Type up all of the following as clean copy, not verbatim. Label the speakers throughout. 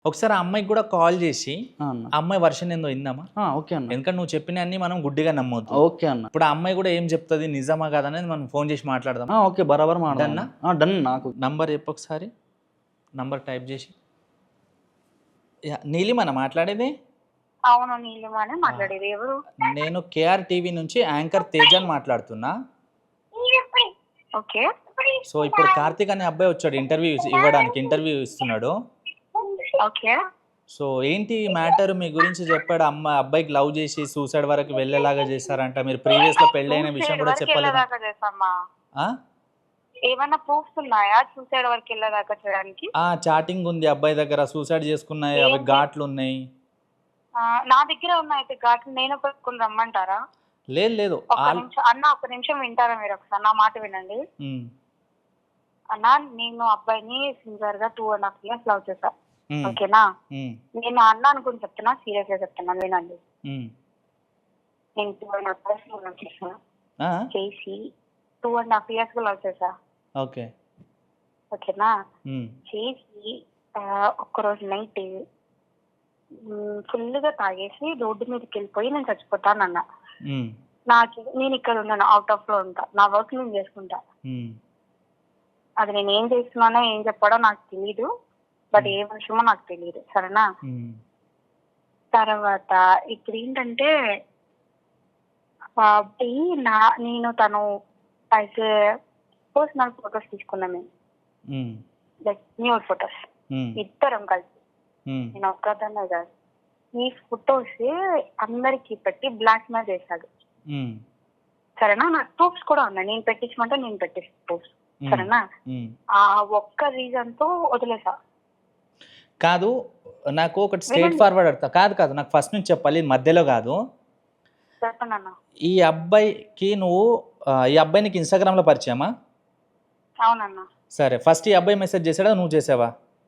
Speaker 1: ఒకసారి ఆ అమ్మాయికి కూడా కాల్ చేసి
Speaker 2: అన్న.
Speaker 1: ఆ అమ్మాయి వర్షన్ ఏందో ఇందామా,
Speaker 2: ఓకే అన్న.
Speaker 1: ఎందుకంటే నువ్వు చెప్పిన అన్ని మనం గుడ్డిగా నమ్మొద్దు.
Speaker 2: ఓకే అన్న.
Speaker 1: ఇప్పుడు ఆ అమ్మాయి కూడా ఏం చెప్తుంది, నిజమా కాదనేది మనం ఫోన్ చేసి మాట్లాడదాం.
Speaker 2: ఓకే, బరాబర్
Speaker 1: డన్నా?
Speaker 2: డన్. నాకు
Speaker 1: నంబర్ చెప్పు ఒకసారి, నంబర్ టైప్ చేసి. నీలిమన మాట్లాడేది?
Speaker 3: అవును, నీలిమానే మాట్లాడేది. ఎవరు?
Speaker 1: నేను కేఆర్ టీవీ నుంచి యాంకర్ తేజాన్ మాట్లాడుతున్నా.
Speaker 3: ఓకే.
Speaker 1: సో ఇప్పుడు కార్తీక్ అనే అబ్బాయి వచ్చాడు ఇంటర్వ్యూ ఇవ్వడానికి, ఇంటర్వ్యూ ఇస్తున్నాడు.
Speaker 3: ఓకే.
Speaker 1: సో ఏంటి మ్యాటర్, మీ గురించి చెప్పాడు. అబ్బాయికి లవ్ చేసి సూసైడ్ వరకు వెళ్ళేలాగా చేశారంట. మీరు ప్రీవియస్ లో పెళ్ళైన విషయం కూడా చెప్పలేదు. ఆ?
Speaker 3: ఏమైనా ప్రూఫ్స్ ఉన్నాయా సూసైడ్ వరకు వెళ్ళేదాకా చేయడానికి?
Speaker 1: చాటింగ్ ఉంది అబ్బాయి దగ్గర, సూసైడ్ చేసుకున్నాయి, అవి ఘాట్లు ఉన్నాయి.
Speaker 3: నా దగ్గర ఉన్నాయి అయితే ఘాట్లు, నేను పెట్టుకుని రమ్మంటారా?
Speaker 1: లేదు
Speaker 3: అన్న ఒక నిమిషం వింటారా మీరు? ఒకసారి నా మాట వినండి అన్న. నేను అబ్బాయిని సిన్సియర్ గా 2.5 years లవ్ చేశా. ఓకేనా? నేను అన్న అనుకుని చెప్తున్నా, సీరియస్ గా చెప్తున్నా, వినండి. నేను 2.5 years లవ్ చేసా. చేసి 2.5 years గా లవ్ చేసా.
Speaker 1: ఓకే.
Speaker 3: ఓకేనా? చేసి ఒక్కరోజు నైట్ ఫుల్ గా తాగేసి రోడ్డు మీదకి వెళ్ళిపోయి నేను చచ్చిపోతానన్న. నేను ఇక్కడ ఉన్నాను, అవుట్ ఆఫ్ లో ఉంటా, నా వర్క్ నేను చేసుకుంటా. అది నేను ఏం చేస్తున్నానో ఏం చెప్పాడో నాకు తెలీదు, బట్ ఏ విషయమో నాకు తెలియదు. సరేనా? తర్వాత ఇప్పుడు ఏంటంటే అబ్బాయి నేను తను అయితే పర్సనల్ ఫొటోస్ తీసుకున్నాం మేము, లైక్ న్యూడ్ ఫొటోస్, ఇద్దరం కలిసి. నేను ఒక్కదాన్నే కాదు, ఈ ఫొటోస్ అందరికి పెట్టి బ్లాక్ మెయిల్ చేశాడు. సరేనా? నాకు ప్రూఫ్స్ కూడా ఉన్నాయి, నేను పెట్టించమంటే నేను పెట్టేసి ప్రూఫ్స్. సరేనా? ఆ ఒక్క రీజన్ తో వదిలేసా.
Speaker 1: కాదు, నాకు ఒకటి స్ట్రైట్ ఫార్వర్డ్ అడతా. కాదు నాకు ఫస్ట్ నుంచి చెప్పాలి, మధ్యలో కాదు.
Speaker 3: చెప్పండి.
Speaker 1: ఈ అబ్బాయికి నువ్వు ఈ అబ్బాయి నీకు ఇన్స్టాగ్రామ్ లో పరిచయమా?
Speaker 3: అవునన్నా.
Speaker 1: సరే, ఫస్ట్ ఈ అబ్బాయి మెసేజ్ చేశాడా, నువ్వు చేసావా?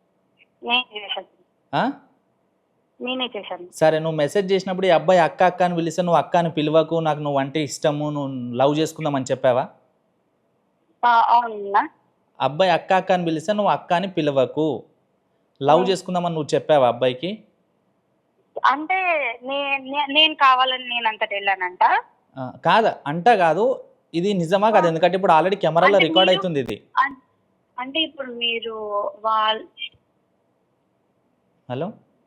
Speaker 3: నేనే చేశాను.
Speaker 1: సరే, నువ్వు మెసేజ్ చేసినప్పుడు ఈ అబ్బాయి అక్క అక్క అని పిలిస్తే నువ్వు అక్క అని పిలవకు, నాకు నువ్వు అంటే ఇష్టము, నువ్వు లవ్ చేసుకుందాం అని చెప్పావా?
Speaker 3: అవునా.
Speaker 1: అబ్బాయి అక్క అక్క అని పిలిస్తే నువ్వు అక్క అని పిలవకు, లవ్ చేసుకుందామని నువ్వు చెప్పావా అబ్బాయికి?
Speaker 3: అంటే నేను కావాలని నేను అంతటి వెళ్ళానంట.
Speaker 1: కాదు, ఇది నిజమా కాదు? ఎందుకంటే ఇప్పుడు ఆల్రెడీ కెమెరాలో రికార్డ్ అవుతుంది ఇది.
Speaker 3: అంటే ఇప్పుడు మీరు
Speaker 1: హలో,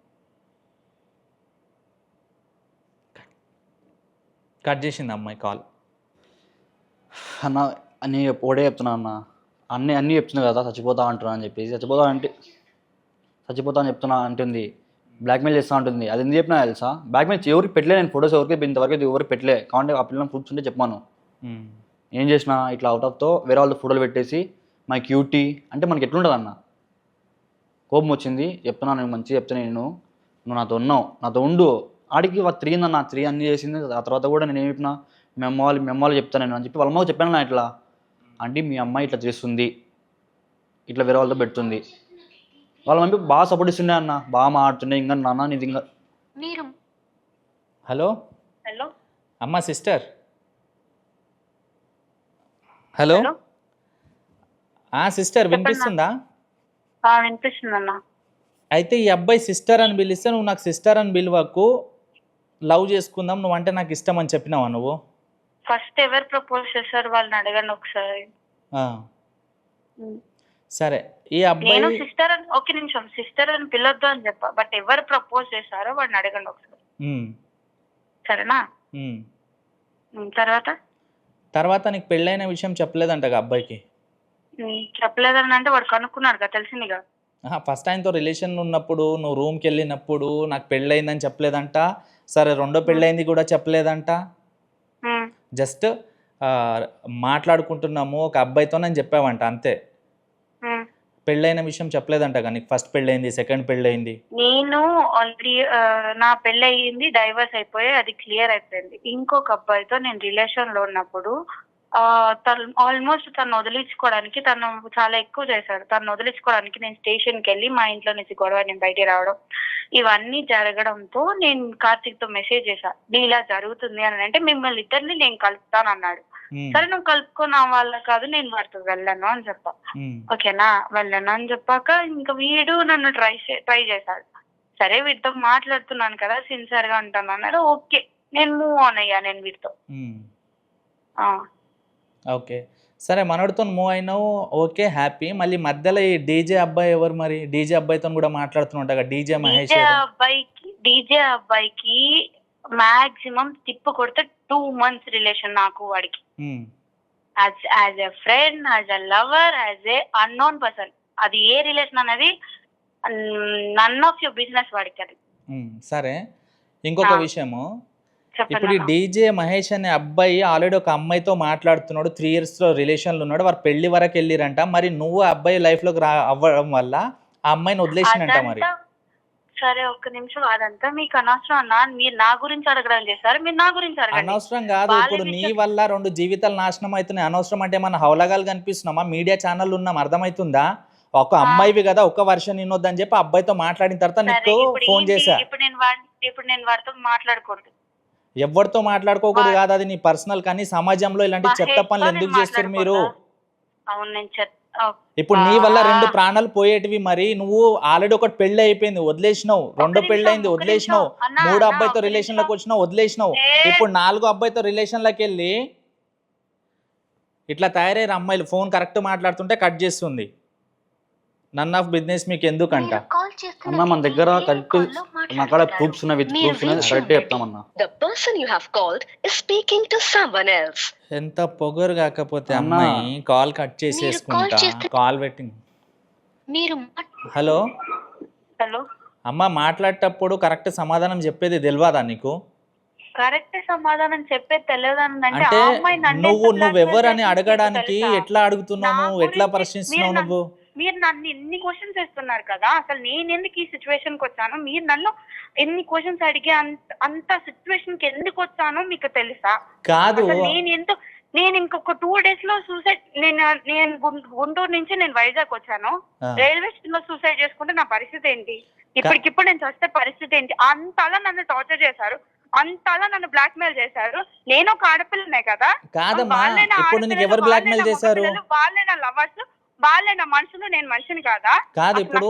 Speaker 1: కట్ చేసింది అమ్మాయి కాల్.
Speaker 2: అన్న అన్నీ ఒకటే చెప్తున్నా అన్న, అన్నీ చెప్తున్నా కదా, చచ్చిపోతా అంటున్నా అని చెప్పేసి. చచ్చిపోతా అని చెప్తున్నా అంటుంది, బ్లాక్మెయిల్ చేస్తా ఉంటుంది. అది ఎందుకు చెప్పినా తెలుసా? బ్లాక్మెయిల్ ఎవరికి పెట్టలే, నేను ఫొటోస్ ఇంతవరకు ఎవరికి పెట్టలే. కాబట్టి ఆ పిల్లలను కూర్చుంటే చెప్పాను. ఏం చేసిన ఇట్లా అవుట్ ఆఫ్తో వేరే వాళ్ళతో ఫోటోలు పెట్టేసి మై క్యూటీ అంటే మనకి ఎట్లుంటుంది అన్న. కోపం వచ్చింది, చెప్తున్నాను, నేను మంచిగా చెప్తాను, నువ్వు నాతో ఉన్నావు, నాతో ఉండు. ఆడికి తిరిగిందన్న, తిరిగి అన్నీ చేసింది. ఆ తర్వాత కూడా నేను ఏం చెప్పినా, మీ అమ్మ చెప్తాను నేను అని చెప్పి వాళ్ళ అమ్మకి చెప్పాను. నా ఇట్లా అంటే మీ అమ్మాయి ఇట్లా చేస్తుంది, ఇట్లా వేరే వాళ్ళతో పెడుతుంది. వాళ్ళ మమ్మీ బాగా సపోర్ట్ ఇస్తుండే అన్న, బాగా మాట్లాడుతుండే. ఇంకా నాన్న నీది ఇంకా.
Speaker 1: హలో అమ్మ, సిస్టర్. హలో సిస్టర్, వినిపిస్తుందా?
Speaker 3: వినిపిస్తుందన్న.
Speaker 1: అయితే ఈ అబ్బాయి సిస్టర్ అని పిలిస్తే నువ్వు నాకు సిస్టర్ అని పిలవకు, లవ్ చేసుకుందాం, నువ్వు అంటే నాకు ఇష్టం అని చెప్పినావా నువ్వు?
Speaker 3: ఫస్ట్ ఎవరు ప్రపోజ్ చేశారు వాళ్ళని అడగండి ఒకసారి.
Speaker 1: సరే, ఈ అబ్బాయి
Speaker 3: సిస్టర్ అని ఒక నిమిషం, సిస్టర్ అని పిలవద్దు అని చెప్పా, బట్ ఎవరు ప్రపోజ్ చేశారో వాళ్ళని అడగండి ఒకసారి. సరేనా?
Speaker 1: తర్వాత నీకు పెళ్ళైన విషయం చెప్పలేదంట అబ్బాయికి?
Speaker 3: చెప్పలేదని అంటే వాడు కనుక్కున్నాడు కదా, తెలిసిందిగా.
Speaker 1: ఫస్ట్ ఆయనతో రిలేషన్ ఉన్నప్పుడు నువ్వు రూమ్కి వెళ్ళినప్పుడు నాకు పెళ్ళయిందని చెప్పలేదంట. సరే, రెండో పెళ్ళయింది కూడా చెప్పలేదంట. జస్ట్ మాట్లాడుకుంటున్నాము ఒక అబ్బాయితో అని చెప్పావంట, అంతే. పెళ్ళైన విషయం చెప్పలేదంట కానీ ఫస్ట్ పెళ్ళయింది, సెకండ్ పెళ్ళయింది.
Speaker 3: నేను ఆల్రెడీ నా పెళ్ళి అయ్యింది, డైవర్స్ అయిపోయి అది క్లియర్ అయిపోయింది. ఇంకొక అబ్బాయితో నేను రిలేషన్ లో ఉన్నప్పుడు ఆల్మోస్ట్ తను వదిలించుకోవడానికి తను చాలా ఎక్కువ చేశాడు. తను వదిలించుకోవడానికి నేను స్టేషన్కి వెళ్ళి మా ఇంట్లో నుంచి గొడవ నేను బయటికి రావడం, ఇవన్నీ జరగడంతో నేను కార్తీక్ తో మెసేజ్ చేశా, ఇలా జరుగుతుంది అని. అంటే మిమ్మల్ని ఇద్దరిని నేను కలుపుతాను అన్నాడు. సరే, నువ్వు కలుపుకున్న వాళ్ళ కాదు, నేను వాడితో వెళ్ళను అని చెప్పా. ఓకేనా? వెళ్ళను అని చెప్పాక ఇంకా వీడు నన్ను ట్రై చేశాడు. సరే వీటితో మాట్లాడుతున్నాను కదా, సిన్సియర్ గా ఉంటాను అన్నాడు. ఓకే, నేను మూవ్ ఆన్ అయ్యా నేను వీటితో.
Speaker 1: ఓకే, సరే మనోడితో మూవ్ అయినావు, ఓకే హ్యాపీ. మళ్ళీ మధ్యలో ఈ డీజే అబ్బాయి ఎవరు మరి? డీజే అబ్బాయితో కూడా మాట్లాడుతుంటా, డీజే మహేష్
Speaker 3: డీజే అబ్బాయికి మాక్సిమం తిప్పు కొడితే 2 months రిలేషన్ నాకు వాడికి. As a friend, as a lover, as a unknown person. అది ఏ రిలేషన్ అనేది నన్ ఆఫ్ యువర్ బిజినెస్ వాడికి అది.
Speaker 1: సరే, ఇంకొక విషయము, ఇప్పుడు ఈ డీజే మహేష్ అనే అబ్బాయి ఆల్రెడీ ఒక అమ్మాయితో మాట్లాడుతున్నాడు, 3 years రిలేషన్లో ఉన్నాడు, వారు పెళ్లి వరకు వెళ్ళిరంట. మరి నువ్వు అబ్బాయి లైఫ్లోకి అవ్వడం వల్ల ఆ అమ్మాయిని వదిలేసినంట మరి.
Speaker 3: సరే ఒక్క నిమిషం, అదంతా మీకు అనవసరం అన్న. మీరు నా గురించి అడగడం చేశారు, మీరు నా గురించి అడగండి.
Speaker 1: అనవసరం కాదు, ఇప్పుడు నీ వల్ల 2 జీవితాలు నాశనం అవుతున్నాయి. అనవసరం అంటే మన హౌలగాలు కనిపిస్తున్నామా? మీడియా ఛానల్ ఉన్నాం, అర్థమవుతుందా? ఒక అమ్మాయివి కదా, ఒక వర్షం వినొద్దని చెప్పి అబ్బాయితో మాట్లాడిన తర్వాత నీకు ఫోన్ చేశా.
Speaker 3: ఇప్పుడు నేను వాడితో మాట్లాడకూడదు,
Speaker 1: ఎవరితో మాట్లాడుకోకూడదు కాదు, అది నీ పర్సనల్. కానీ సమాజంలో ఇలాంటి చెత్త పనులు ఎందుకు చేస్తారు మీరు?
Speaker 3: అవును, నేను
Speaker 1: ఇప్పుడు నీ వల్ల 2 ప్రాణాలు పోయేటివి. మరి నువ్వు ఆల్రెడీ ఒకటి పెళ్లి అయిపోయింది, వదిలేసినావు. 2 పెళ్లి అయింది, వదిలేసినావు. 3 అబ్బాయితో రిలేషన్ లోకి వచ్చినావు, వదిలేసినావు. ఇప్పుడు 4 అబ్బాయితో రిలేషన్ లోకి వెళ్ళి ఇట్లా తయారయ్యారు అమ్మాయిలు. ఫోన్ కరెక్ట్ మాట్లాడుతుంటే కట్ చేస్తుంది. నన్ ఆఫ్ బిజినెస్ మీకు ఎందుకంట
Speaker 2: అన్న? మన దగ్గర కరెక్ట్ నా కాడ ప్రూఫ్స్ ఉన్నాయి, విత్ ప్రూఫ్స్ ఉన్నాయి, కరెక్ట్ చెప్తామన్నా.
Speaker 4: The person you have called is speaking to someone else.
Speaker 1: ఎంత పొగరు కాకపోతే అమ్మాయి కాల్ కట్ చేసేసుకుంటా, కాల్ వెయిటింగ్. హలో
Speaker 3: హలో
Speaker 1: అమ్మ, మాట్లాడేటప్పుడు కరెక్ట్ సమాధానం చెప్పేది తెలియదా నీకు?
Speaker 3: కరెక్ట్ సమాధానం చెప్పేది తెలియదంటే
Speaker 1: అంటే నువ్వెవరని అడగడానికి ఎట్లా అడుగుతున్నావు, నువ్వు ఎట్లా ప్రశ్నిస్తున్నావు? నువ్వు
Speaker 3: మీరు నన్ను ఎన్ని క్వశ్చన్స్ వేస్తున్నారు కదా, అసలు నేను ఎందుకు ఈ సిచ్యువేషన్ కి వచ్చాను, మీరు నన్ను ఎన్ని క్వశ్చన్స్ అడిగి అంత సిచ్యువేషన్ కి ఎందుకు వచ్చానో మీకు తెలుసా?
Speaker 1: కాదు,
Speaker 3: నేను ఇంకొక 2 days లో సూసైడ్, నేను గుంటూరు నుంచి నేను వైజాగ్ వచ్చాను, రైల్వే స్టేషన్ లో సూసైడ్ చేసుకుంటే నా పరిస్థితి ఏంటి? ఇప్పటికిప్పుడు నేను చస్తే పరిస్థితి ఏంటి? అంతలా నన్ను టార్చర్ చేశారు, అంతలా నన్ను బ్లాక్ మెయిల్ చేశారు. నేను ఒక ఆడపిల్లనే కదా.
Speaker 1: కాదమ్మా, ఇప్పుడు నీకు ఎవరు బ్లాక్ మెయిల్ చేశారు?
Speaker 3: వాళ్ళే నా లవర్స్, వాళ్ళే నా మనుషులు, నేను మనిషిని కాదా?
Speaker 1: కాదు, ఇప్పుడు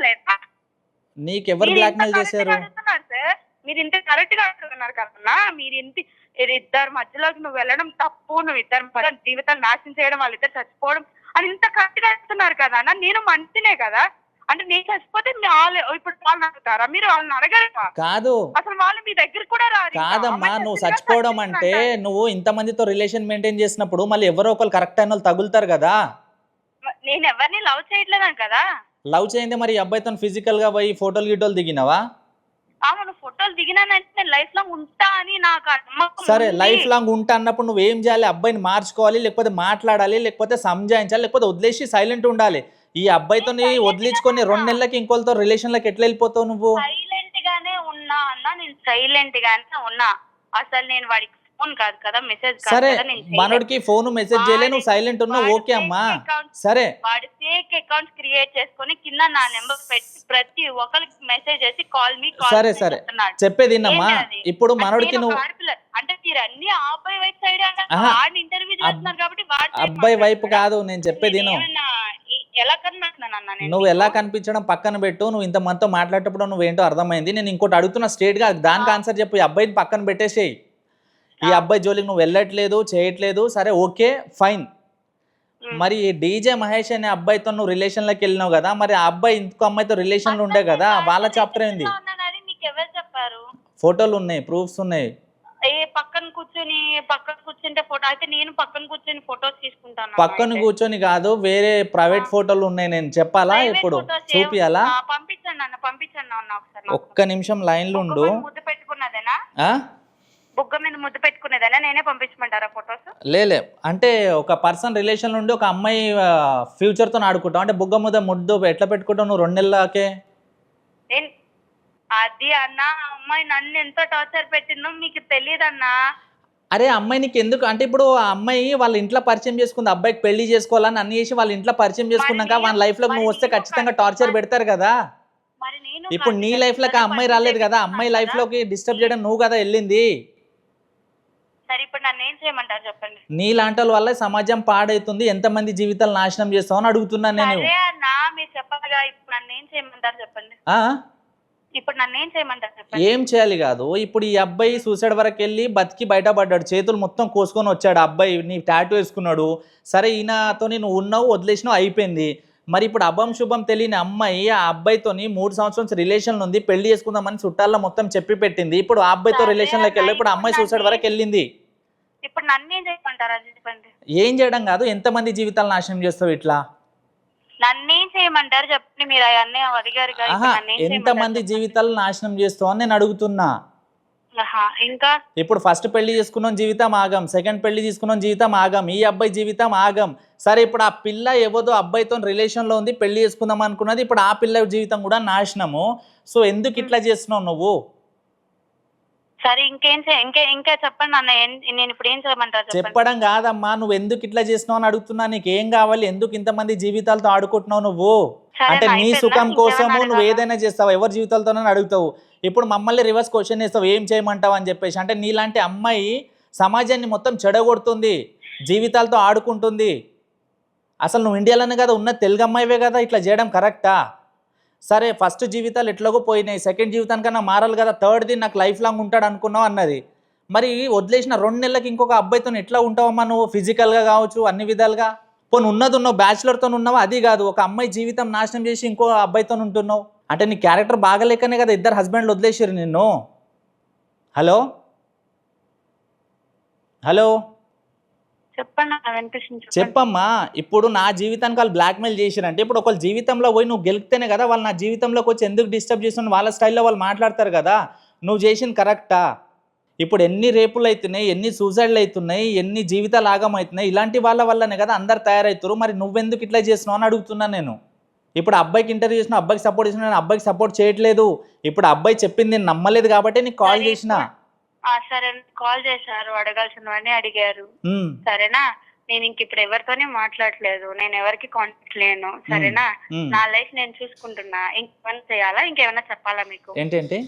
Speaker 1: నీకు ఎవరు బ్లాక్ మెయిల్ చేశారు?
Speaker 3: మీరు ఇంత కరెక్ట్ గా అడుగుతున్నారు కదన్నా. మీరు ఇద్దరు మధ్యలోకి నువ్వు వెళ్ళడం తప్పు, నువ్వు ఇద్దరు జీవితాలు నాశనం చేయడం, వాళ్ళిద్దరు చచ్చిపోవడం అని ఇంత కరెక్ట్ గా అడుగుతున్నారు కదా అన్న. నేను మనిషినే కదా, అంటే నేను చచ్చిపోతే ఇప్పుడు వాళ్ళని అడుగుతారా? మీరు వాళ్ళని అడగరు
Speaker 1: కాదు,
Speaker 3: అసలు వాళ్ళు మీ దగ్గర కూడా రాదు.
Speaker 1: కాదమ్మా, నువ్వు చచ్చిపోవడం అంటే నువ్వు ఇంతమందితో రిలేషన్ మెయింటైన్ చేసినప్పుడు మళ్ళీ ఎవరో ఒకరు కరెక్ట్ అయిన వాళ్ళు తగులుతారు కదా.
Speaker 3: నేను ఎవరిని లవ్ చేయట్లేదని కదా.
Speaker 1: లవ్ చేయండి మరి అబ్బాయితో ఫిజికల్ గా పోయి ఫోటోలు గిటోలు దిగినావా?
Speaker 3: అవును, ఫోటోలు దిగినానంటే నేను లైఫ్ లాంగ్ ఉంటా అని నాకు నమ్మకం.
Speaker 1: సరే, లైఫ్ లాంగ్ ఉంటా అన్నప్పుడు నువ్వు ఏం చేయాలి? అబ్బాయిని మార్చుకోవాలి, లేకపోతే మాట్లాడాలి, లేకపోతే సంజాయించాలి, లేకపోతే వదిలేసి సైలెంట్ ఉండాలి. ఈ అబ్బాయితో వదిలించుకొని 2 నెలలకి ఇంకోళ్ళతో రిలేషన్ లోకి ఎట్లా వెళ్ళిపోతావు నువ్వు?
Speaker 3: సైలెంట్ గానే ఉన్నా అన్న, నేను సైలెంట్ గానే ఉన్నా. అసలు నేను వాడికి ఫోన్ కాదు కదా, మెసేజ్ కాదు
Speaker 1: సరే,
Speaker 3: కదా.
Speaker 1: మనోడికి ఫోన్ మెసేజ్ చేయలే, నువ్వు సైలెంట్ ఉన్నావు, ఓకే అమ్మా. సరే,
Speaker 3: వాడి ఫేక్ అకౌంట్స్ క్రియేట్ చేసుకొని కింద నా నెంబర్ పెట్టి ప్రతి ఒక్కరికి మెసేజ్ చేసి కాల్ మీ కాల్.
Speaker 1: సరే సరే, చెప్పేది అమ్మా. ఇప్పుడు మనోడికి నువ్వు
Speaker 3: అంటే మీరు అన్ని అబ్బాయి వైపు సైడ్ వాడిని ఇంటర్వ్యూ చేస్తున్నారు కాబట్టి
Speaker 1: అబ్బాయి వైపు కాదు నేను చెప్పేది.
Speaker 3: ఎలా కనిపిస్తున్నాను?
Speaker 1: నువ్వు ఎలా కనిపించడం పక్కన పెట్టు, నువ్వు ఇంత మనతో మాట్లాడేటప్పుడు నువ్వేంటో అర్థమైంది. నేను ఇంకోటి అడుగుతున్నా స్ట్రేట్ గా, దానికి ఆన్సర్ చెప్పు. ఈ అబ్బాయిని పక్కన పెట్టేసేయి. ఈ అబ్బాయి జోలికి నువ్వు వెళ్ళట్లేదు, చేయట్లేదు, సరే ఓకే ఫైన్. మరి డీజే మహేష్ అనే అబ్బాయితో నువ్వు రిలేషన్ లోకి వెళ్ళినావు కదా, మరి ఆ అబ్బాయి ఇంకో అమ్మాయితో రిలేషన్ లో ఉండే కదా, వాళ్ళ చాప్టర్ ఏంది? ఫోటోలు ఉన్నాయి, ప్రూఫ్స్ ఉన్నాయి.
Speaker 3: పక్కన కూర్చుంటే ఫోటో అయితే నేను పక్కన కూర్చొని ఫోటోస్ తీసుకుంటాను.
Speaker 1: పక్కన కూర్చొని కాదు, వేరే ప్రైవేట్ ఫోటోలు ఉన్నాయి. నేను చెప్పాలా ఇప్పుడు? చూపియాలా?
Speaker 3: పంపించండి అన్న, పంపించండి అన్న ఒకసారి.
Speaker 1: ఒక్క నిమిషం లైన్ లో ఉండు.
Speaker 3: ముద్దు పెట్టుకున్నదేనా? బుగ్గ మీద ముద్దు పెట్టుకునేదేనా? నేనే పంపించమంటారా ఫోటోస్? లేలే,
Speaker 1: అంటే ఒక పర్సన్ రిలేషన్ నుండి ఒక అమ్మాయి ఫ్యూచర్ తో ఆడుకుంటావు అంటే బుగ్గ మీద ముద్దు ఎట్లా పెట్టుకుంటావు నువ్వు 2 నెలలకే?
Speaker 3: అది అన్న, అమ్మాయి నన్ను ఎంత టార్చర్ పెట్టిందో మీకు తెలియదన్నా.
Speaker 1: అరే అమ్మాయి నీకు ఎందుకు అంటే, ఇప్పుడు ఆ అమ్మాయి వాళ్ళ ఇంట్లో పరిచయం చేసుకుంది, అబ్బాయికి పెళ్లి చేసుకోవాలని అన్ని చేసి వాళ్ళ ఇంట్లో పరిచయం చేసుకున్నాక వాళ్ళ లైఫ్ లో నువ్వు వస్తే ఖచ్చితంగా టార్చర్ పెడతారు కదా. ఇప్పుడు నీ లైఫ్ లోకి ఆ అమ్మాయి రాలేదు కదా, అమ్మాయి లైఫ్ లోకి డిస్టర్బ్ చేయడం నువ్వు కదా వెళ్ళింది.
Speaker 3: సరే ఇప్పుడు నన్ను ఏం చేయమంటారు చెప్పండి?
Speaker 1: నీ లాంటి వల్ల సమాజం పాడైతుంది, ఎంతమంది జీవితాలు నాశనం చేస్తావు అని అడుగుతున్నాను నేను.
Speaker 3: మీరు చెప్పగా ఇప్పుడు నన్ను ఏం చేయమంటారు చెప్పండి? ఇప్పుడు నన్ను ఏం చేయమంటారు చెప్పండి.
Speaker 1: ఏం చేయాలి కాదు, ఇప్పుడు ఈ అబ్బాయి సూసైడ్ వరకు వెళ్ళి బతికి బయటపడ్డాడు, చేతులు మొత్తం కోసుకొని వచ్చాడు, అబ్బాయి నీ టాటూ వేసుకున్నాడు, సరే ఈయనతో నువ్వు ఉన్నావు వదిలేసినావు అయిపోయింది. మరి ఇప్పుడు అభం శుభం తెలియని అమ్మాయి ఆ అబ్బాయితోని 3 సంవత్సరాల రిలేషన్ ఉంది, పెళ్లి చేసుకుందామని చుట్టాల్లో మొత్తం చెప్పి పెట్టింది, ఇప్పుడు ఆ అబ్బాయితో
Speaker 3: సరే
Speaker 1: రిలేషన్లోకి వెళ్ళి ఇప్పుడు
Speaker 3: అన్న,
Speaker 1: అమ్మాయి సూసైడ్ వరకు వెళ్ళింది.
Speaker 3: ఇప్పుడు నన్ను ఏం చేయమంటారు అది చెప్పండి.
Speaker 1: ఏం చేయడం కాదు, ఎంతమంది జీవితాలు నాశనం చేస్తావు ఇట్లా?
Speaker 3: నన్ను ఏం చేయమంటారు చెప్పండి, మీరు అవన్నీ అడిగారు కదా,
Speaker 1: ఆహా,
Speaker 3: ఇప్పుడు నన్ను ఏం
Speaker 1: ఎంతమంది
Speaker 3: చేయమంటారు చెప్పండి.
Speaker 1: జీవితాలు నాశనం చేస్తావు అని నేను అడుగుతున్నా.
Speaker 3: ఆహా, ఇంకా
Speaker 1: ఇప్పుడు ఫస్ట్ పెళ్లి చేసుకున్న జీవితం ఆగం, సెకండ్ పెళ్లి చేసుకున్న జీవితం ఆగం, ఈ అబ్బాయి జీవితం ఆగం. సరే ఇప్పుడు ఆ పిల్ల ఎవదో అబ్బాయితో రిలేషన్లో ఉంది, పెళ్లి చేసుకుందాం అనుకున్నది, ఇప్పుడు ఆ పిల్ల జీవితం కూడా నాశనము. సో ఎందుకు ఇట్లా చేస్తున్నావు నువ్వు?
Speaker 3: సరే ఇంకా చెప్పండి అన్న, నేను ఇప్పుడు ఏం చేయమంటారు చెప్పండి.
Speaker 1: చెప్పడం కాదమ్మా, నువ్వు ఎందుకు ఇట్లా చేసినావు అని అడుగుతున్నా. నీకు ఏం కావాలి, ఎందుకు ఇంతమంది జీవితాలతో ఆడుకుంటున్నావు నువ్వు?
Speaker 3: సరే,
Speaker 1: అంటే నీ
Speaker 3: అయిపోయిందా?
Speaker 1: సుఖం కోసము
Speaker 3: ఇంకేమైనా
Speaker 1: నువ్వు
Speaker 3: అడగాలా?
Speaker 1: ఏదైనా చేస్తావు, ఎవరి జీవితాలతోనైనా అడుగుతావు. ఇప్పుడు మమ్మల్ని రివర్స్ క్వశ్చన్ చేస్తావు, ఏం చేయమంటావు అని చెప్పేసి. అంటే నీలాంటి అమ్మాయి సమాజాన్ని మొత్తం చెడగొడుతుంది, జీవితాలతో ఆడుకుంటుంది. అసలు నువ్వు ఇండియాలోనే కదా ఉన్న, తెలుగు అమ్మాయివే కదా, ఇట్లా చేయడం కరెక్టా? సరే ఫస్ట్ జీవితాలు ఎట్లాగో పోయినాయి, సెకండ్ జీవితానికన్నా మారాలి కదా, థర్డ్ది నాకు లైఫ్ లాంగ్ ఉంటాడు అనుకున్నావు అన్నది. మరి వదిలేసిన 2 నెలలకి ఇంకొక అబ్బాయితో ఎట్లా ఉంటావమ్మా నువ్వు? ఫిజికల్గా కావచ్చు, అన్ని విధాలుగా. పోనీ ఉన్నావు బ్యాచులర్తో ఉన్నావు, అది కాదు, ఒక అమ్మాయి జీవితం నాశనం చేసి ఇంకో అబ్బాయితో ఉంటున్నావు. అంటే నీ క్యారెక్టర్ బాగాలేకనే కదా ఇద్దరు హస్బెండ్లు వదిలేసారు నిన్ను. హలో హలో
Speaker 3: చెప్పండి అన్న, వినిపిస్తుంది చెప్పండి.
Speaker 1: చెప్పమ్మా. ఇప్పుడు నా జీవితానికి వాళ్ళు బ్లాక్మెయిల్ చేసిరంటే, ఇప్పుడు ఒకళ్ళ జీవితంలో పోయి నువ్వు గెలిస్తేనే కదా వాళ్ళు నా జీవితంలోకి వచ్చి ఎందుకు డిస్టర్బ్ చేస్తున్న వాళ్ళ స్టైల్లో వాళ్ళు మాట్లాడతారు కదా. నువ్వు చేసింది కరెక్టా? ఇప్పుడు ఎన్ని రేపులు అవుతున్నాయి, ఎన్ని సూసైడ్లు అవుతున్నాయి, ఎన్ని జీవితాలు ఆగమవుతున్నాయి, ఇలాంటి వాళ్ళ వల్లనే కదా అందరు తయారవుతారు. మరి నువ్వెందుకు ఇట్లా చేస్తున్నావు అని అడుగుతున్నాను నేను. ఇప్పుడు అబ్బాయికి ఇంటర్వ్యూ చేసిన, అబ్బాయికి సపోర్ట్ చేసిన, నేను అబ్బాయికి సపోర్ట్ చేయట్లేదు. ఇప్పుడు అబ్బాయి చెప్పింది నేను నమ్మలేదు కాబట్టి నీకు కాల్
Speaker 3: సరే,
Speaker 1: చేసిన.
Speaker 3: సరే కాల్ చేశారు, అడగాల్సినవన్నీ అడిగారు, సరేనా. నేను ఇంక ఇప్పుడు ఎవరితోనే మాట్లాడలేదు, నేను ఎవరికి కాంటాక్ట్ లేను, సరేనా. నా లైఫ్ నేను చూసుకుంటున్నా. ఇంకేమైనా చేయాలా, ఇంకేమైనా చెప్పాలా మీకు?
Speaker 1: ఏంటంటే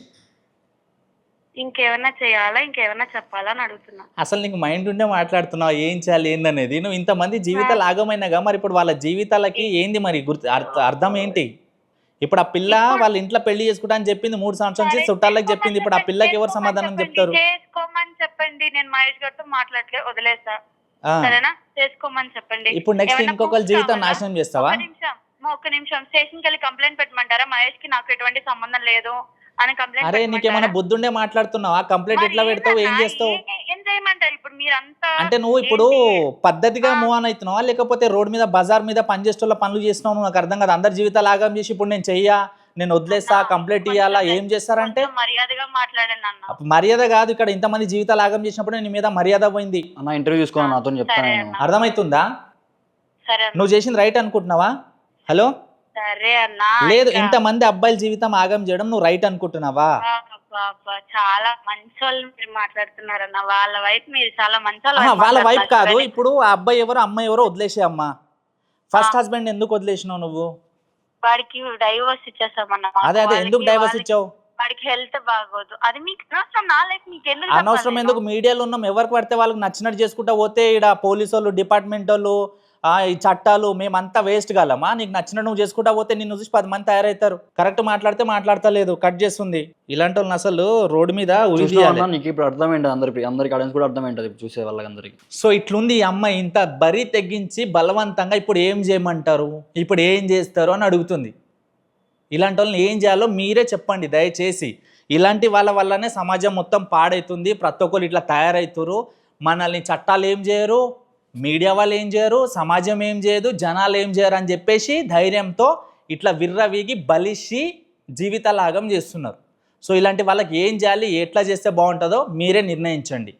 Speaker 3: ఇంకేమైనా చేయాలా, ఇంకేమైనా చెప్పాలా అని అడుగుతున్నా.
Speaker 1: అసలు నీకు మైండ్ ఉండే మాట్లాడుతున్నావు, ఏం చేయాలి ఏందనేది. నువ్వు ఇంతమంది జీవితాలు ఆగమైనాగా, మరి ఇప్పుడు వాళ్ళ జీవితాలకి ఏంది మరి అర్థం ఏంటి? ఇప్పుడు ఆ పిల్ల వాళ్ళ ఇంట్లో పెళ్లి చేసుకుంటా అని చెప్పింది, 3 సంవత్సరాల నుంచి చుట్టాలకు చెప్పింది. ఇప్పుడు ఆ పిల్లకి ఎవరు సమాధానం చెప్తారు?
Speaker 3: చేసుకోమని చెప్పండి, నేను మహేష్ గారితో మాట్లాడలే, వదిలేసా, సరేనా. చేసుకోమని చెప్పండి.
Speaker 1: ఇప్పుడు నెక్స్ట్ ఇంకొకరి జీవితం నాశనం చేస్తావా?
Speaker 3: ఒక్క నిమిషం స్టేషన్కి వెళ్ళి కంప్లైంట్ పెట్టమంటారా? మహేష్ కి నాకు ఎటువంటి సంబంధం లేదు అని కంప్లైంట్.
Speaker 1: అరే నీకేమైనా బుద్ధుండే మాట్లాడుతున్నావా? కంప్లైంట్ ఎట్లా పెడతావు, ఏం చేస్తావు?
Speaker 3: ఏం చేయమంటారు ఇప్పుడు మీరంతా?
Speaker 1: అంటే నువ్వు ఇప్పుడు పద్ధతిగా మూవ్ ఆన్ అవుతున్నావా, లేకపోతే రోడ్ మీద బజార్ మీద పనిచేసేటోళ్ళ పనులు చేస్తున్నావు? నాకు అర్థం కాదు. అందరి జీవితాలు ఆగం చేసి ఇప్పుడు నేను చెయ్యా, నేను వదిలేస్తా, కంప్లైంట్ ఇవ్వాలా, ఏం చేస్తారంటే?
Speaker 3: మర్యాదగా మాట్లాడండి అన్న.
Speaker 1: మర్యాద కాదు, ఇక్కడ ఇంతమంది జీవితాలు ఆగం చేసినప్పుడు నీ మీద మర్యాద పోయింది.
Speaker 2: అన్న ఇంటర్వ్యూ చూసుకోవాలి నాతో చెప్తాను నేను.
Speaker 1: అర్థమవుతుందా?
Speaker 3: సరే
Speaker 1: నువ్వు చేసింది రైట్ అనుకుంటున్నావా? హలో,
Speaker 3: సరే అన్న.
Speaker 1: లేదు, ఇంతమంది అబ్బాయిల జీవితం ఆగం చేయడం నువ్వు రైట్ అనుకుంటున్నావా?
Speaker 3: చాలా మంచి వాళ్ళు మీరు మాట్లాడుతున్నారన్న, వాళ్ళ వైపు మీరు చాలా మంచి
Speaker 1: వాళ్ళ వైపు కాదు. ఇప్పుడు ఆ అబ్బాయి ఎవరో అమ్మాయి ఎవరో వదిలేసే అమ్మా. ఫస్ట్ హస్బెండ్ ఎందుకు వదిలేసినావు నువ్వు?
Speaker 3: వాడికి డైవోర్స్ ఇచ్చేసామన్న.
Speaker 1: అదే ఎందుకు డైవర్స్ ఇచ్చావు?
Speaker 3: వాడికి హెల్త్ బాగోదు, అది మీకు అనవసరం. నా లైఫ్ మీకు ఎందుకు?
Speaker 1: అనవసరం ఎందుకు? మీడియాలో ఉన్నాం, ఎవరికి పడితే వాళ్ళకి నచ్చినట్టు చేసుకుంటా పోతే ఇక్కడ పోలీసు వాళ్ళు, డిపార్ట్మెంట్ వాళ్ళు, ఈ చట్టాలు, మేమంతా వేస్ట్ కాలమా? నీకు నచ్చినట్టు నువ్వు చేసుకుంటా పోతే నిన్ను చూసి 10 మంది తయారవుతారు. కరెక్ట్ మాట్లాడితే మాట్లాడతలేదు, కట్ చేస్తుంది. ఇలాంటి వాళ్ళని అసలు రోడ్డు మీద
Speaker 2: చూస్తున్నావా? నీకు ఇప్పుడు అర్థమైంది, అందరికి ఆడియన్స్ కూడా అర్థమైంటుంది ఇప్పుడు చూసే వాళ్ళందరికీ.
Speaker 1: సో ఇట్లుంది ఈ అమ్మాయి, ఇంత బరి తెగించి బలవంతంగా ఇప్పుడు ఏం చేయమంటారు, ఇప్పుడు ఏం చేస్తారు అని అడుగుతుంది. ఇలాంటి వాళ్ళని ఏం చేయాలో మీరే చెప్పండి దయచేసి. ఇలాంటి వాళ్ళ వల్లనే సమాజం మొత్తం పాడవుతుంది, ప్రతి ఒక్కరు ఇట్లా తయారవుతారు. మనల్ని చట్టాలు ఏం చేయరు, మీడియా వాళ్ళు ఏం చేయరు, సమాజం ఏం చేయదు, జనాలు ఏం చేయరు అని చెప్పేసి ధైర్యంతో ఇట్లా విర్రవీగి బలిసి జీవితాలాగం చేస్తున్నారు. సో ఇలాంటి వాళ్ళకి ఏం చేయాలి, ఎట్లా చేస్తే బాగుంటుందో మీరే నిర్ణయించండి.